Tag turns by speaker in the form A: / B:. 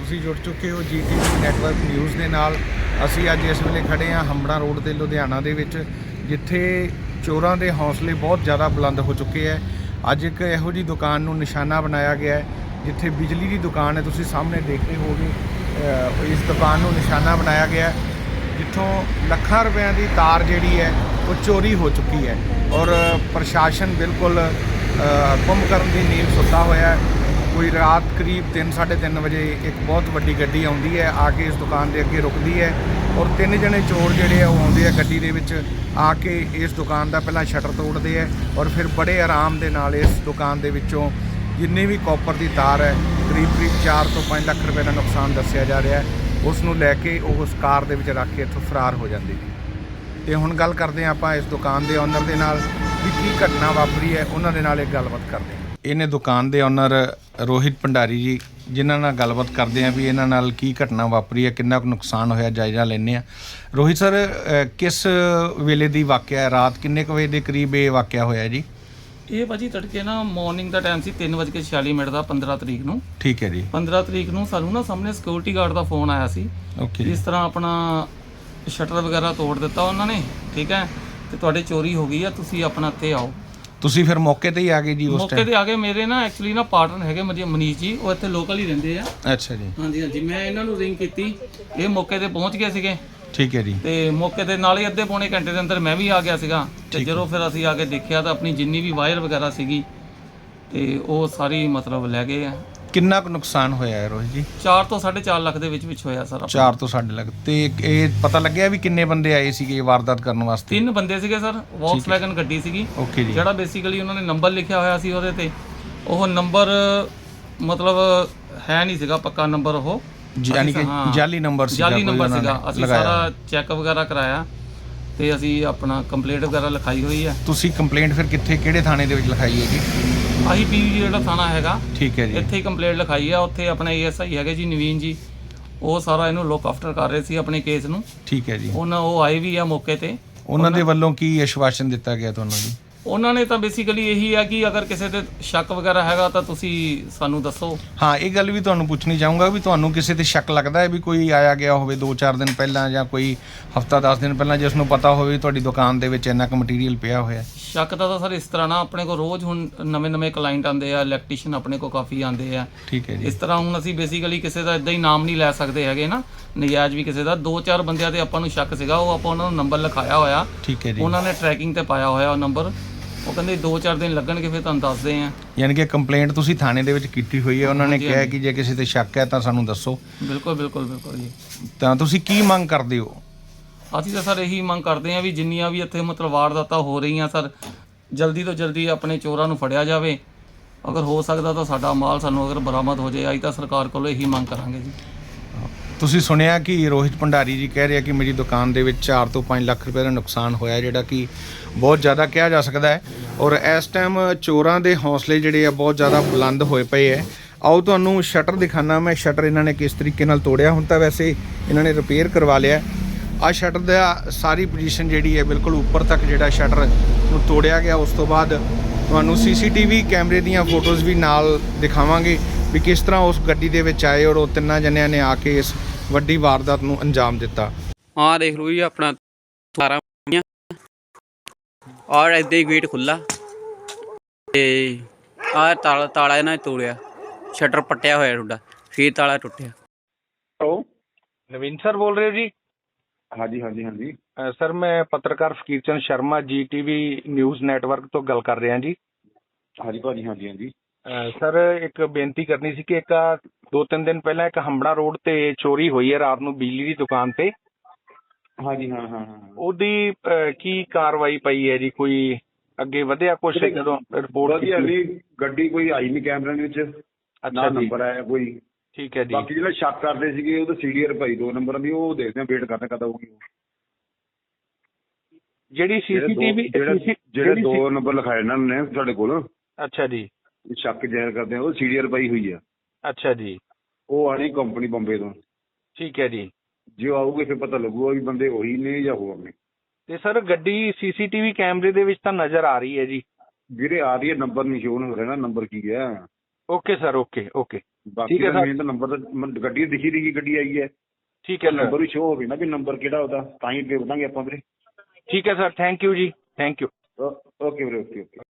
A: ਤੁਸੀਂ ਜੁੜ ਚੁੱਕੇ ਹੋ GTV ਨੈਟਵਰਕ ਨਿਊਜ਼ ਦੇ ਨਾਲ। ਅਸੀਂ ਅੱਜ ਇਸ ਵੇਲੇ ਖੜੇ ਹਾਂ ਹੰਬੜਾ ਰੋਡ ਤੇ ਲੁਧਿਆਣਾ ਦੇ ਵਿੱਚ, ਜਿੱਥੇ ਚੋਰਾਂ ਦੇ ਹੌਸਲੇ ਬਹੁਤ ਜ਼ਿਆਦਾ ਬੁਲੰਦ ਹੋ ਚੁੱਕੇ ਹੈ। ਅੱਜ ਇੱਕ ਇਹੋ ਜਿਹੀ ਦੁਕਾਨ ਨੂੰ ਨਿਸ਼ਾਨਾ ਬਣਾਇਆ ਗਿਆ ਹੈ ਜਿੱਥੇ ਬਿਜਲੀ ਦੀ ਦੁਕਾਨ ਹੈ। ਤੁਸੀਂ ਸਾਹਮਣੇ ਦੇਖਦੇ ਹੋਗੇ ਇਸ ਦੁਕਾਨ ਨੂੰ ਨਿਸ਼ਾਨਾ ਬਣਾਇਆ ਗਿਆ ਜਿੱਥੋਂ ਲੱਖਾਂ ਰੁਪਇਆਂ ਦੀ ਤਾਰ ਜਿਹੜੀ ਹੈ ਉਹ ਚੋਰੀ ਹੋ ਚੁੱਕੀ ਹੈ ਔਰ ਪ੍ਰਸ਼ਾਸਨ ਬਿਲਕੁਲ ਗੁੰਮ ਕਰਨ ਦੀ ਨੀਂਦ ਸੁੱਤਾ ਹੋਇਆ ਹੈ। ਕੋਈ ਰਾਤ ਕਰੀਬ 3-3:30 ਵਜੇ ਇੱਕ ਬਹੁਤ ਵੱਡੀ ਗੱਡੀ ਆਉਂਦੀ ਹੈ, ਆ ਕੇ ਇਸ ਦੁਕਾਨ ਦੇ ਅੱਗੇ ਰੁਕਦੀ ਹੈ ਔਰ 3 ਜਣੇ ਚੋਰ ਜਿਹੜੇ ਆ ਉਹ ਆਉਂਦੇ ਆ ਗੱਡੀ ਦੇ ਵਿੱਚ, ਆ ਕੇ ਇਸ ਦੁਕਾਨ ਦਾ ਪਹਿਲਾਂ ਸ਼ਟਰ ਤੋੜਦੇ ਹੈ ਔਰ ਫਿਰ ਬੜੇ ਆਰਾਮ ਦੇ ਨਾਲ ਇਸ ਦੁਕਾਨ ਦੇ ਵਿੱਚੋਂ ਜਿੰਨੀ ਵੀ ਕਾਪਰ ਦੀ ਤਾਰ ਹੈ, ਕਰੀਬ 4 ਤੋਂ 5 ਲੱਖ ਰੁਪਏ ਦਾ ਨੁਕਸਾਨ ਦੱਸਿਆ ਜਾ ਰਿਹਾ ਹੈ, ਉਸ ਨੂੰ ਲੈ ਕੇ ਉਹ ਉਸ ਕਾਰ ਦੇ ਵਿੱਚ ਰੱਖ ਕੇ ਇੱਥੋਂ ਫਰਾਰ ਹੋ ਜਾਂਦੇ ਜੀ। ਤੇ ਹੁਣ ਗੱਲ ਕਰਦੇ ਹਾਂ ਆਪਾਂ ਇਸ ਦੁਕਾਨ ਦੇ ਓਨਰ ਦੇ ਨਾਲ ਵੀ ਕੀ ਘਟਨਾ ਵਾਪਰੀ ਹੈ, ਉਹਨਾਂ ਦੇ ਨਾਲ ਇੱਕ ਗੱਲਬਾਤ ਕਰਦੇ ਹਾਂ। ਇਹਨੇ ਦੁਕਾਨ ਦੇ ਓਨਰ ਰੋਹਿਤ ਭੰਡਾਰੀ ਜੀ, ਜਿਨ੍ਹਾਂ ਨਾਲ ਗੱਲਬਾਤ ਕਰਦੇ ਹਾਂ ਵੀ ਇਹਨਾਂ ਨਾਲ ਕੀ ਘਟਨਾ ਵਾਪਰੀ ਹੈ, ਕਿੰਨਾ ਕੁ ਨੁਕਸਾਨ ਹੋਇਆ, ਜਾਇਜ਼ਾ ਲੈਂਦੇ ਹਾਂ। ਰੋਹਿਤ ਸਰ, ਕਿਸ ਵੇਲੇ ਦੀ ਵਾਕਿਆ ਹੈ? ਰਾਤ ਕਿੰਨੇ ਕੁ ਵਜੇ ਦੇ ਕਰੀਬ ਇਹ ਵਾਕਿਆ ਹੋਇਆ ਜੀ?
B: ਇਹ ਭਾਜੀ ਤੜਕੇ ਨਾ ਮਾਰਨਿੰਗ ਦਾ ਟਾਈਮ ਸੀ 3:46 ਦਾ 15 ਤਰੀਕ ਨੂੰ।
A: ਠੀਕ ਹੈ ਜੀ।
B: 15 ਤਰੀਕ ਨੂੰ ਸਾਨੂੰ ਨਾ ਸਾਹਮਣੇ ਸਿਕਿਉਰਿਟੀ ਗਾਰਡ ਦਾ ਫੋਨ ਆਇਆ ਸੀ।
A: ਓਕੇ।
B: ਇਸ ਤਰ੍ਹਾਂ ਆਪਣਾ ਸ਼ਟਰ ਵਗੈਰਾ ਤੋੜ ਦਿੱਤਾ ਉਹਨਾਂ ਨੇ, ਠੀਕ ਹੈ, ਤੇ ਤੁਹਾਡੇ ਚੋਰੀ ਹੋ ਗਈ ਆ, ਤੁਸੀਂ ਆਪਣਾ ਇੱਥੇ ਆਓ।
A: ਤੁਸੀਂ ਫਿਰ ਮੌਕੇ ਤੇ ਹੀ ਆ ਗਏ ਜੀ? ਉਸ
B: ਮੌਕੇ ਤੇ ਆ ਗਏ। ਮੇਰੇ ਨਾ ਐਕਚੁਅਲੀ ਨਾ ਪਾਰਟਨਰ ਹੈਗੇ ਮਨੀਸ਼ ਜੀ, ਉਹ ਇੱਥੇ ਲੋਕਲ ਹੀ ਰਹਿੰਦੇ ਆ।
A: ਅੱਛਾ ਜੀ।
B: ਹਾਂਜੀ ਹਾਂਜੀ, ਮੈਂ ਇਹਨਾਂ ਨੂੰ ਰਿੰਗ ਕੀਤੀ, ਇਹ ਮੌਕੇ ਤੇ ਪਹੁੰਚ ਗਏ ਸੀਗੇ।
A: ਠੀਕ ਹੈ ਜੀ।
B: ਤੇ ਮੌਕੇ ਦੇ ਨਾਲ ਹੀ ਅੱਧੇ ਪੌਣੇ ਘੰਟੇ ਦੇ ਅੰਦਰ ਮੈਂ ਵੀ ਆ ਗਿਆ ਸੀਗਾ। ਤੇ ਜਦੋਂ ਫਿਰ ਅਸੀਂ ਆ ਕੇ ਦੇਖਿਆ ਤਾਂ ਆਪਣੀ ਜਿੰਨੀ ਵੀ ਵਾਇਰ ਵਗੈਰਾ ਸੀਗੀ ਤੇ ਉਹ ਸਾਰੀ ਮਤਲਬ ਲੈ ਗਏ ਆ।
A: ਕਿੰਨਾ ਕੁ ਨੁਕਸਾਨ ਹੋਇਆ ਹੈ ਰੋਹਿਤ ਜੀ?
B: 4 ਤੋਂ 4.5 ਲੱਖ ਦੇ ਵਿੱਚ ਹੋਇਆ ਸਰ।
A: 4 ਤੋਂ 6.5 ਲੱਖ। ਤੇ ਇਹ ਪਤਾ ਲੱਗਿਆ ਵੀ ਕਿੰਨੇ ਬੰਦੇ ਆਏ ਸੀਗੇ ਵਾਰਦਾਤ ਕਰਨ ਵਾਸਤੇ?
B: 3 ਬੰਦੇ ਸੀਗੇ ਸਰ, ਵੌਕਸਵੈਗਨ ਗੱਡੀ ਸੀਗੀ।
A: ਓਕੇ ਜੀ।
B: ਜਿਹੜਾ ਬੇਸਿਕਲੀ ਉਹਨਾਂ ਨੇ ਨੰਬਰ ਲਿਖਿਆ ਹੋਇਆ ਸੀ ਉਹਦੇ ਤੇ, ਉਹ ਨੰਬਰ ਮਤਲਬ ਹੈ ਨਹੀਂ ਸੀਗਾ ਪੱਕਾ ਨੰਬਰ, ਉਹ
A: ਯਾਨੀ ਕਿ ਜਾਲੀ ਨੰਬਰ ਸੀਗਾ।
B: ਜਾਲੀ ਨੰਬਰ ਸੀਗਾ। ਅਸੀਂ ਸਾਰਾ ਚੈੱਕ ਵਗੈਰਾ ਕਰਾਇਆ ਤੇ ਅਸੀਂ ਆਪਣਾ ਕੰਪਲੇਂਟ ਵਗੈਰਾ ਲਿਖਾਈ ਹੋਈ ਹੈ।
A: ਤੁਸੀਂ ਕੰਪਲੇਂਟ ਫਿਰ ਕਿੱਥੇ, ਕਿਹੜੇ ਥਾਣੇ ਦੇ ਵਿੱਚ ਲਿਖਾਈ ਹੈ ਜੀ?
B: ਆਹੀ ਪੀਵੀ ਜਿਹੜਾ ਥਾਣਾ ਹੈਗਾ,
A: ਠੀਕ ਹੈ ਜੀ,
B: ਇੱਥੇ ਹੀ ਕੰਪਲੇਂਟ ਲਿਖਾਈ ਆ। ਉੱਥੇ ਆਪਣੇ ASI ਹੈਗੇ ਜੀ ਨਵੀਨ ਜੀ, ਉਹ ਸਾਰਾ ਇਹਨੂੰ ਲੁੱਕ ਆਫਟਰ ਕਰ ਰਹੇ ਸੀ ਆਪਣੇ ਕੇਸ ਨੂੰ।
A: ਠੀਕ ਹੈ ਜੀ।
B: ਉਹ ਆਏ ਵੀ ਆ ਮੌਕੇ ਤੇ।
A: ਉਹਨਾਂ ਦੇ ਵੱਲੋਂ ਕੀ ਆਸ਼ਵਾਸਨ ਦਿੱਤਾ ਗਿਆ ਤੁਹਾਨੂੰ ਜੀ?
B: ਉਹਨਾਂ ਨੇ ਤਾਂ ਬੇਸਿਕਲੀ ਇਹੀ ਹੈ ਕਿ ਅਗਰ ਕਿਸੇ ਤੇ ਸ਼ੱਕ ਵਗੈਰਾ ਹੈਗਾ ਤਾਂ ਤੁਸੀਂ ਸਾਨੂੰ ਦੱਸੋ। ਹਾਂ,
A: ਇਹ ਗੱਲ ਵੀ ਤੁਹਾਨੂੰ ਪੁੱਛਣੀ ਚਾਹੂੰਗਾ ਵੀ ਤੁਹਾਨੂੰ ਕਿਸੇ ਤੇ ਸ਼ੱਕ ਲੱਗਦਾ ਹੈ ਵੀ ਕੋਈ ਆਇਆ ਗਿਆ ਹੋਵੇ 2-4 ਦਿਨ ਪਹਿਲਾਂ ਜਾਂ ਕੋਈ ਹਫਤਾ 10 ਦਿਨ ਪਹਿਲਾਂ, ਜਿਸ ਨੂੰ ਪਤਾ ਹੋਵੇ ਤੁਹਾਡੀ ਦੁਕਾਨ ਦੇ ਵਿੱਚ ਇੰਨਾ ਕੁ ਮਟੀਰੀਅਲ ਪਿਆ ਹੋਇਆ?
B: ਸ਼ੱਕ ਤਾਂ ਸਰ ਇਸ ਤਰ੍ਹਾਂ ਨਾ, ਆਪਣੇ ਕੋਲ ਰੋਜ਼ ਹੁਣ ਨਵੇਂ ਕਲਾਇੰਟ ਆਉਂਦੇ ਆ, ਇਲੈਕਟ੍ਰੀਸ਼ੀਅਨ ਆਪਣੇ ਕੋਲ ਕਾਫੀ ਆਉਂਦੇ ਆ।
A: ਠੀਕ ਹੈ ਜੀ।
B: ਇਸ ਤਰ੍ਹਾਂ ਹੁਣ ਅਸੀਂ ਬੇਸਿਕਲੀ ਕਿਸੇ ਦਾ ਇਦਾਂ ਹੀ ਨਾਮ ਨਹੀਂ ਲੈ ਸਕਦੇ ਹੈਗੇ ਨਾ, ਨਜਾਇਜ਼ ਵੀ ਕਿਸੇ ਦਾ। 2-4 ਬੰਦਿਆਂ ਤੇ ਆਪਾਂ ਨੂੰ ਸ਼ੱਕ ਸੀਗਾ, ਉਹ ਆਪਾਂ ਉਹਨਾਂ ਨੂੰ ਨੰਬਰ ਲਿਖਾਇਆ ਹੋਇਆ।
A: ਠੀਕ ਹੈ ਜੀ।
B: ਉਹਨਾਂ ਨੇ ਟਰੈਕਿੰਗ ਤੇ ਪਾਇਆ ਹੋਇਆ ਉਹ ਨੰਬਰ। ਉਹ ਕਹਿੰਦੇ 2-4 ਦਿਨ ਲੱਗਣਗੇ, ਫਿਰ ਤੁਹਾਨੂੰ ਦੱਸਦੇ ਆ।
A: ਯਾਨੀ ਕਿ ਕੰਪਲੇਂਟ ਤੁਸੀਂ ਥਾਣੇ ਦੇ ਵਿੱਚ ਕੀਤੀ ਹੋਈ ਹੈ, ਉਹਨਾਂ ਨੇ ਕਿਹਾ ਕਿ ਜੇ ਕਿਸੇ ਤੇ ਸ਼ੱਕ ਹੈ ਤਾਂ ਸਾਨੂੰ ਦੱਸੋ।
B: ਬਿਲਕੁਲ ਬਿਲਕੁਲ ਬਿਲਕੁਲ ਜੀ।
A: ਤਾਂ ਤੁਸੀਂ ਕੀ ਮੰਗ ਕਰਦੇ ਹੋ?
B: ਅਸੀਂ ਤਾਂ ਸਰ ਇਹੀ ਮੰਗ ਕਰਦੇ ਹਾਂ ਵੀ ਜਿੰਨੀਆਂ ਵੀ ਇੱਥੇ ਮਤਲਬ ਵਾਰਦਾਤਾਂ ਹੋ ਰਹੀਆਂ ਸਰ, ਜਲਦੀ ਤੋਂ ਜਲਦੀ ਆਪਣੇ ਚੋਰਾਂ ਨੂੰ ਫੜਿਆ ਜਾਵੇ। ਅਗਰ ਹੋ ਸਕਦਾ ਤਾਂ ਸਾਡਾ ਮਾਲ ਸਾਨੂੰ ਅਗਰ ਬਰਾਮਦ ਹੋ ਜਾਏ, ਅਸੀਂ ਤਾਂ ਸਰਕਾਰ ਕੋਲੋਂ ਇਹੀ ਮੰਗ ਕਰਾਂਗੇ ਜੀ।
A: ਤੁਸੀਂ ਸੁਣਿਆ ਕਿ ਰੋਹਿਤ ਭੰਡਾਰੀ ਜੀ ਕਹਿ ਰਿਹਾ ਕਿ ਮੇਰੀ ਦੁਕਾਨ ਦੇ ਵਿੱਚ 4 ਤੋਂ 5 ਲੱਖ ਰੁਪਏ ਦਾ ਨੁਕਸਾਨ ਹੋਇਆ, ਜਿਹੜਾ ਕਿ ਬਹੁਤ ਜ਼ਿਆਦਾ ਕਿਹਾ ਜਾ ਸਕਦਾ ਹੈ। ਔਰ ਇਸ ਟਾਈਮ ਚੋਰਾਂ ਦੇ ਹੌਸਲੇ ਜਿਹੜੇ ਆ ਬਹੁਤ ਜ਼ਿਆਦਾ ਬੁਲੰਦ ਹੋਏ ਪਏ ਹੈ। ਆਓ ਤੁਹਾਨੂੰ ਸ਼ਟਰ ਦਿਖਾਣਾ ਮੈਂ, ਸ਼ਟਰ ਇਹਨਾਂ ਨੇ ਕਿਸ ਤਰੀਕੇ ਨਾਲ ਤੋੜਿਆ। ਹੁਣ ਤਾਂ ਵੈਸੇ ਇਹਨਾਂ ਨੇ ਰਿਪੇਅਰ ਕਰਵਾ ਲਿਆ। ਆਹ ਸ਼ਟਰ ਦਾ ਸਾਰੀ ਪੋਜੀਸ਼ਨ ਜਿਹੜੀ ਹੈ ਬਿਲਕੁਲ ਉੱਪਰ ਤੱਕ ਜਿਹੜਾ ਸ਼ਟਰ ਨੂੰ ਤੋੜਿਆ ਗਿਆ। ਉਸ ਤੋਂ ਬਾਅਦ ਤੁਹਾਨੂੰ CCTV ਕੈਮਰੇ ਦੀਆਂ ਫੋਟੋਜ਼ ਵੀ ਨਾਲ ਦਿਖਾਵਾਂਗੇ ਵੀ ਕਿਸ ਤਰ੍ਹਾਂ ਉਸ ਗੱਡੀ ਦੇ ਵਿੱਚ ਆਏ ਔਰ ਉਹ 3 ਜਣਿਆਂ ਨੇ ਆ ਕੇ ਇਸ ਵੱਡੀ ਵਾਰਦਾਤ ਨੂੰ ਅੰਜਾਮ ਦਿੱਤਾ।
C: ਹਾਂ ਦੇਖ ਲਓ ਜੀ, ਆਪਣਾ ਤਾਰਾਂ ਔਰ ਇੱਦਾਂ ਹੀ ਗੇਟ ਖੁੱਲ੍ਹਾ ਤੇ ਆਹ ਤਾਲਾ ਇਹਨਾਂ ਨੇ ਤੋੜਿਆ, ਸ਼ਟਰ ਪੱਟਿਆ ਹੋਇਆ ਤੁਹਾਡਾ, ਫਿਰ ਤਾਲਾ ਟੁੱਟਿਆ।
A: ਹੈਲੋ, ਨਵੀਨ ਸਰ ਬੋਲ ਰਹੇ ਹੋ ਜੀ?
D: ਹਾਂਜੀ ਹਾਂਜੀ ਹਾਂਜੀ
A: ਸਰ, ਮੈਂ ਪੱਤਰਕਾਰ Fakir Chand Sharma GTV news network ਤੋਂ ਗੱਲ ਕਰ ਰਿਹਾ ਜੀ।
D: ਹਾਂਜੀ ਭਾਜੀ, ਹਾਂਜੀ ਹਾਂਜੀ
A: ਸਰ, ਇੱਕ ਬੇਨਤੀ ਕਰਨੀ ਸੀ ਕਿ 2-3 ਦਿਨ ਪਹਿਲਾਂ ਇੱਕ ਹੰਬੜਾ ਰੋਡ ਤੇ ਚੋਰੀ ਹੋਈ ਹੈ ਰਾਤ ਨੂੰ ਬਿਜਲੀ ਦੀ ਦੁਕਾਨ ਤੇ।
D: ਹਾਂਜੀ ਹਾਂ ਹਾਂ ਹਾਂ
A: ਉਹਦੀ ਕੀ ਕਾਰਵਾਈ ਪਈ ਹੈ ਜੀ? ਕੋਈ ਅੱਗੇ ਵਧਿਆ ਕੁਛ? ਜਦੋਂ ਰਿਪੋਰਟ
D: ਕੀਤੀ ਗੱਡੀ ਕੋਈ ਆਈ ਨਹੀਂ ਕੈਮਰੇ ਵਿੱਚ, ਨਾ ਨੰਬਰ ਆਇਆ ਕੋਈ।
A: ਠੀਕ ਹੈ ਜੀ।
D: ਬਾਕੀ ਜਿਹੜਾ ਸ਼ੱਕ ਕਰਦੇ ਸੀਗੇ ਉਹਦਾ CDR ਭਾਈ 2 ਨੰਬਰਾਂ ਦੀ, ਉਹ ਦੇਖਦੇ ਆ, ਵੇਟ ਕਰਦੇ ਕਦ ਆਊਗੀ।
A: ਜਿਹੜੀ CCTV
D: ਜਿਹੜੇ 2 ਨੰਬਰ ਲਿਖਾਏ ਇਹਨਾਂ ਨੇ ਤੁਹਾਡੇ ਕੋਲ।
A: ਅੱਛਾ ਜੀ।
D: ਸ਼ੱਕ ਜ਼ਾਹਿਰ ਕਰਦੇ ਆ, ਉਹ CDR ਪਾਈ ਹੋਈ ਆ।
A: ਅੱਛਾ ਜੀ।
D: ਉਹ ਆਣੀ ਕੰਪਨੀ ਬੰਬੇ ਤੋਂ।
A: ਠੀਕ ਹੈ ਜੀ।
D: ਜੇ ਆਊਗੇ ਫਿਰ ਪਤਾ ਲੱਗੂਗਾ ਵੀ ਬੰਦੇ ਉਹੀ ਨੇ ਜਾਂ ਹੋਰ ਨੇ।
A: ਤੇ ਸਰ, ਗੱਡੀ CCTV ਕੈਮਰੇ ਦੇ ਵਿੱਚ ਤਾਂ ਨਜ਼ਰ ਆ ਰਹੀ ਹੈ ਜੀ।
D: ਵੀਰੇ ਆ ਰਹੀ ਹੈ, ਨੰਬਰ ਨਹੀਂ ਸ਼ੋਅ ਹੋ ਰਿਹਾ ਨਾ, ਨੰਬਰ ਕੀ ਹੈ।
A: Okay sir, okay okay.
D: ਬਾਕੀ
E: ਠੀਕ ਹੈ
D: ਦਾ
E: ਸਰ।
D: ਮੇਨ ਤਾਂ ਨੰਬਰ ਗੱਡੀ ਦਿਖੀ ਰਹੀ ਗੱਡੀ ਆਈ ਹੈ,
E: ਠੀਕ ਹੈ ਸਰ,
D: ਨੰਬਰ ਵੀ ਸ਼ੋ ਹੋਵੇ ਨਾ ਵੀ ਨੰਬਰ ਕਿਹੜਾ ਉਹਦਾ, ਤਾਂ ਹੀ ਅੱਗੇ ਵਧਾਂਗੇ ਆਪਾਂ ਵੀਰੇ।
E: ਠੀਕ ਹੈ ਸਰ, ਥੈਂਕ ਯੂ ਜੀ, ਥੈਂਕ ਯੂ।
D: ਓਕੇ ਵੀਰੇ, ਓਕੇ ਓਕੇ।